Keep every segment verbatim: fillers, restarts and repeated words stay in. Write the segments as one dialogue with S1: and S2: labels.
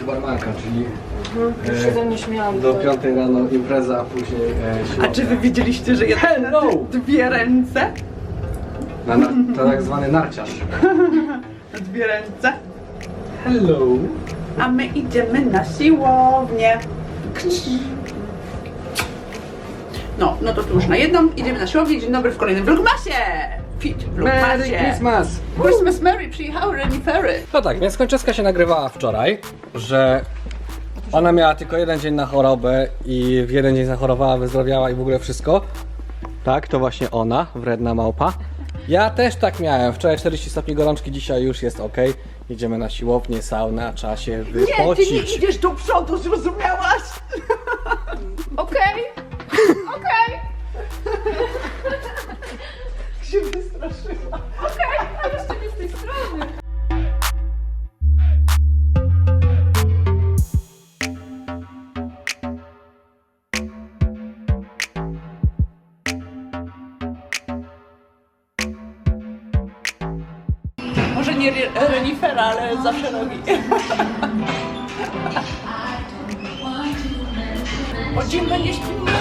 S1: barmanka, czyli
S2: mhm. Już się ze mnie śmiałam.
S1: do piątej rano impreza, a później e, siłownia.
S3: A czy wy widzieliście, że jest
S1: Hello!
S3: dwie ręce?
S1: Na, na, to tak zwany narciarz.
S3: Dwie ręce.
S1: Hello!
S3: A my idziemy na siłownię. No, no to tu już na jedną. Idziemy na siłownię. Dzień dobry w kolejnym vlogmasie. Fit
S1: Merry
S3: vlogmasie.
S1: Christmas!
S3: Christmas Mary przyjechały renifery.
S1: No tak, więc Kończewska się nagrywała wczoraj, że ona miała tylko jeden dzień na chorobę i w jeden dzień zachorowała, wyzdrowiała i w ogóle wszystko. Tak, to właśnie ona, wredna małpa. Ja też tak miałem. Wczoraj czterdzieści stopni gorączki, dzisiaj już jest ok. Idziemy na siłownię, saunę, trzeba się
S3: Nie,
S1: wypocić.
S3: ty nie idziesz do przodu, zrozumiałaś?
S2: Okej, okej.
S3: się wystraszyła.
S2: Okej, a jeszcze nie z tej strony.
S3: Może nie re renifera, ale zawsze robi. O czym będzie śpiewał?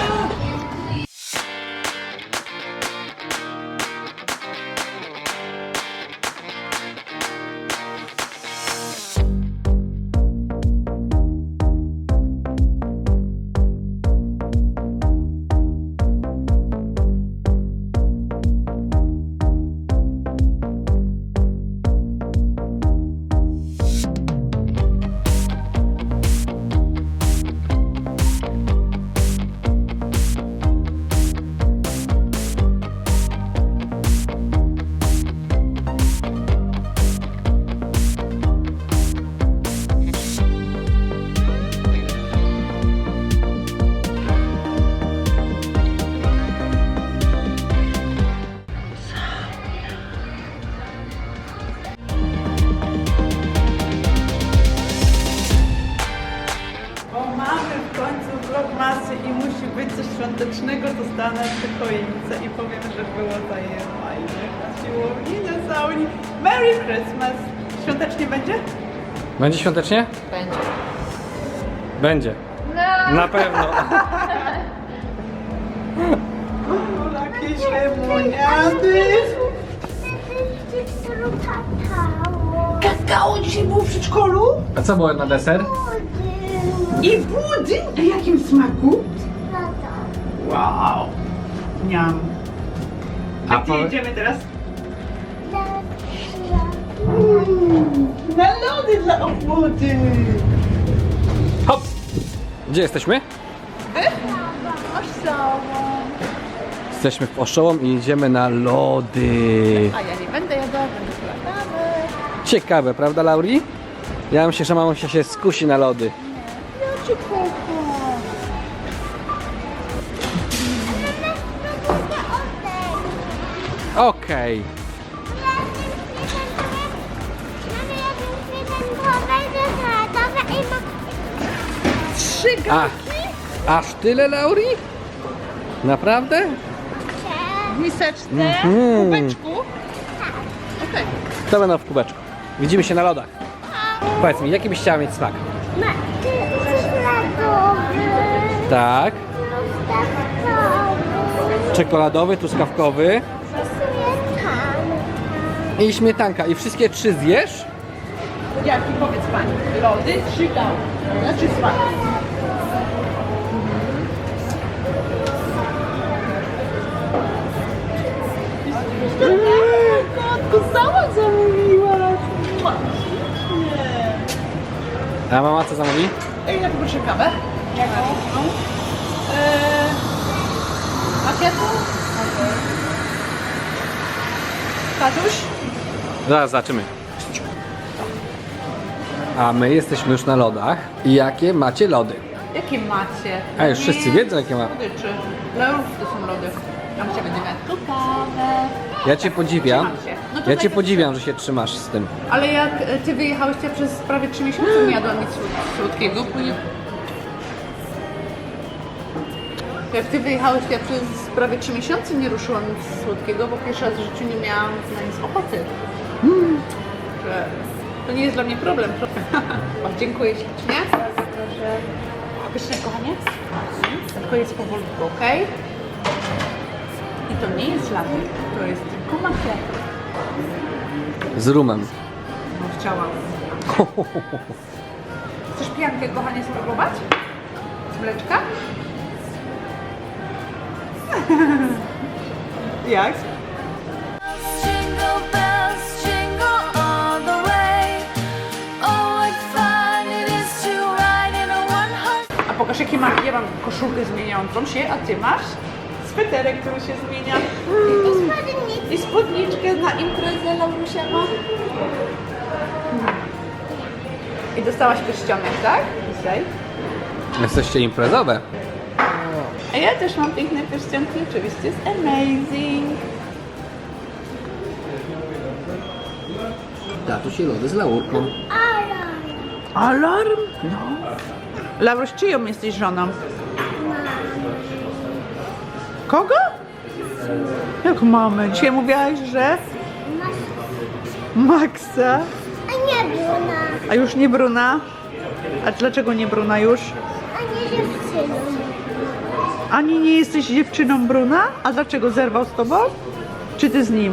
S3: Vlogmasy i musi być coś świątecznego, to stanę przy choince i powiem, że było zajebajnie na siłowni, na saunie. Merry Christmas! Świątecznie będzie?
S1: Będzie świątecznie?
S2: Będzie.
S1: Będzie.
S2: No.
S1: Na pewno.
S3: Jakieś lemoniady. Kakao dzisiaj było w przedszkolu?
S1: A co było na deser?
S3: I budyń? W jakim smaku? Wow! Niam. A
S1: A
S3: gdzie
S1: powie-
S3: idziemy teraz? Mm, na lody dla obwody!
S1: Hop! Gdzie jesteśmy? Jesteśmy w Oszołom i idziemy na lody.
S2: A ja nie będę jadła, będę sprawdzamy.
S1: Ciekawe, prawda, Lauri? Ja myślę, że mamusia się skusi na lody.
S2: Ja cię kocham.
S1: Okej.
S3: Trzy
S1: A, aż tyle, Lauri? Naprawdę?
S3: w miseczce,
S1: Mhm.
S3: w kubeczku. Okej.
S1: To będą w kubeczku. Widzimy się na lodach. Powiedz mi, jaki byś chciała mieć smak? Tak. Czekoladowy, truskawkowy i śmietanka. I wszystkie trzy zjesz?
S3: Jaki, powiedz pani? Lody czy gał? Znaczy smak. Kotku, sama zamówiła. Nie.
S1: A mama co zamówi?
S3: Ej, ja poproszę kawę. Jaką? Eee, Makietą? Tatuś?
S1: Zaraz zobaczymy. A my jesteśmy już na lodach. I jakie macie lody?
S3: Jakie macie?
S1: A już wszyscy wiedzą, jakie ma.
S3: Słodyczy. Laurów to są lody. A my się będziemy tu kawę.
S1: Ja cię podziwiam.
S3: Trzymam się. No to
S1: Ja
S3: daj
S1: cię
S3: to
S1: podziwiam, że się trzymasz z tym.
S3: Ale jak e, ty wyjechałeś, to ja przez prawie trzy miesiące nie jadłam nic słod- słodkiego, bo nie... Jak ty wyjechałeś, to ja przez prawie trzy miesiące nie ruszyłam nic słodkiego, bo pierwszy raz w życiu nie miałam na nic ochoty. Że To nie jest dla mnie problem. O, dziękuję ślicznie. Pyszne, kochanie. Tylko jest powolutku, ok? I to nie jest latte, to jest tylko macchiato.
S1: Z rumem.
S3: No, chciałam. Chcesz piankę, kochanie, spróbować? Z mleczka? Jak?
S4: Jingle bells, jingle all the way. Oh, what fun it is to ride in a one-horse.
S3: A pokaż, jakie mam. Ja mam koszulkę zmieniającą się, a ty masz sweterek, który się zmienia. I spódniczkę na imprezę Laurusia ma. I dostałaś pierścionek, tak? Dzisiaj.
S1: Jesteście imprezowe.
S3: A ja też mam piękne pierścionki, oczywiście jest amazing.
S1: Tatuś i lody z laurką.
S3: Alarm? No. Lauruś, czyją jesteś żoną? Kogo? Jak mamy? Dzisiaj mówiłaś, że... Maxa.
S2: A nie Bruna,
S3: A już nie Bruna? A dlaczego nie Bruna już?
S2: a nie dziewczyną.
S3: Ani nie jesteś dziewczyną Bruna? A dlaczego zerwał z tobą? Czy ty z nim?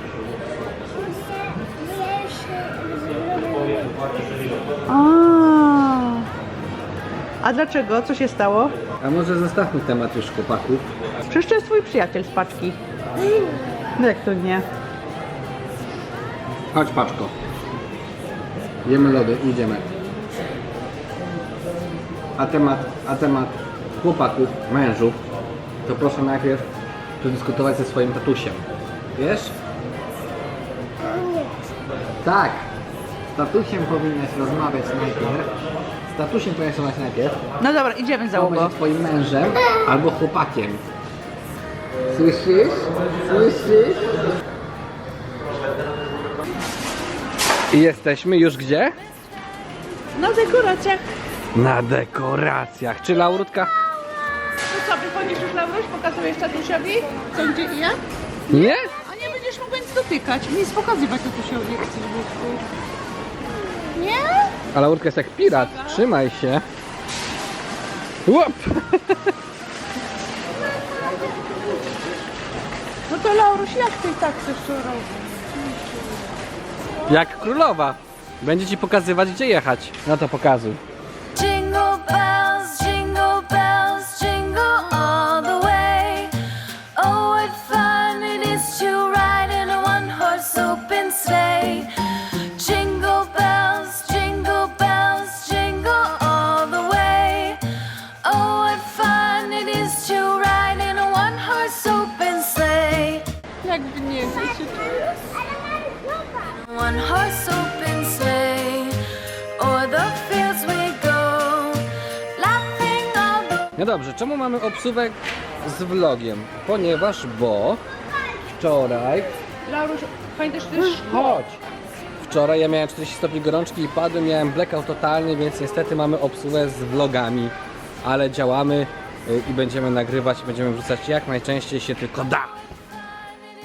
S3: A. A dlaczego? Co się stało?
S1: A może zostawmy temat już chłopaków.
S3: Przecież to jest twój przyjaciel z paczki. No jak to nie?
S1: Chodź paczko. Jemy lody, idziemy. A temat, a temat chłopaków, mężów, to proszę najpierw przedyskutować ze swoim tatusiem. Wiesz? Tak. Z tatusiem powinnaś rozmawiać najpierw. Z tatusiem powinnaś rozmawiać najpierw.
S3: No dobra, idziemy
S1: Kto
S3: załogo.
S1: będzie twoim mężem albo chłopakiem. Słyszysz? Słyszysz? I jesteśmy już gdzie?
S3: Na dekoracjach.
S1: Na dekoracjach. Czy Laurutka?
S3: To co, wychodzisz już Lauruś? Pokazujesz tatusiowi? Co, gdzie i jak?
S1: Nie?
S3: A nie będziesz mógł nic dotykać. Nic pokazywać tatusiowi, jak chcesz, Wódku. Nie?
S1: A Laurka jest jak pirat. Trzymaj się. Łop!
S3: No to Lauruś, jak ty tak chcesz to robić?
S1: Jak królowa. Będzie ci pokazywać, gdzie jechać. No to pokazuj.
S4: Jingle bells, jingle bells, jingle all the way. Oh, what fun it is to ride in a one-horse open sleigh. Jingle bells, jingle bells, jingle all the way. Oh, what fun it is to ride in a one-horse open sleigh.
S3: Jakby nie chcesz.
S4: One horse open sleigh, o'er the fields we go, laughing all the
S1: No dobrze, czemu mamy obsuwek z vlogiem? Ponieważ, bo wczoraj...
S3: Lauruś, pamiętasz też?
S1: Chodź! Wczoraj ja miałem czterdzieści stopni gorączki i padłem, miałem blackout totalny, więc niestety mamy obsługę z vlogami. Ale działamy y, i będziemy nagrywać, będziemy wrzucać jak najczęściej się tylko da.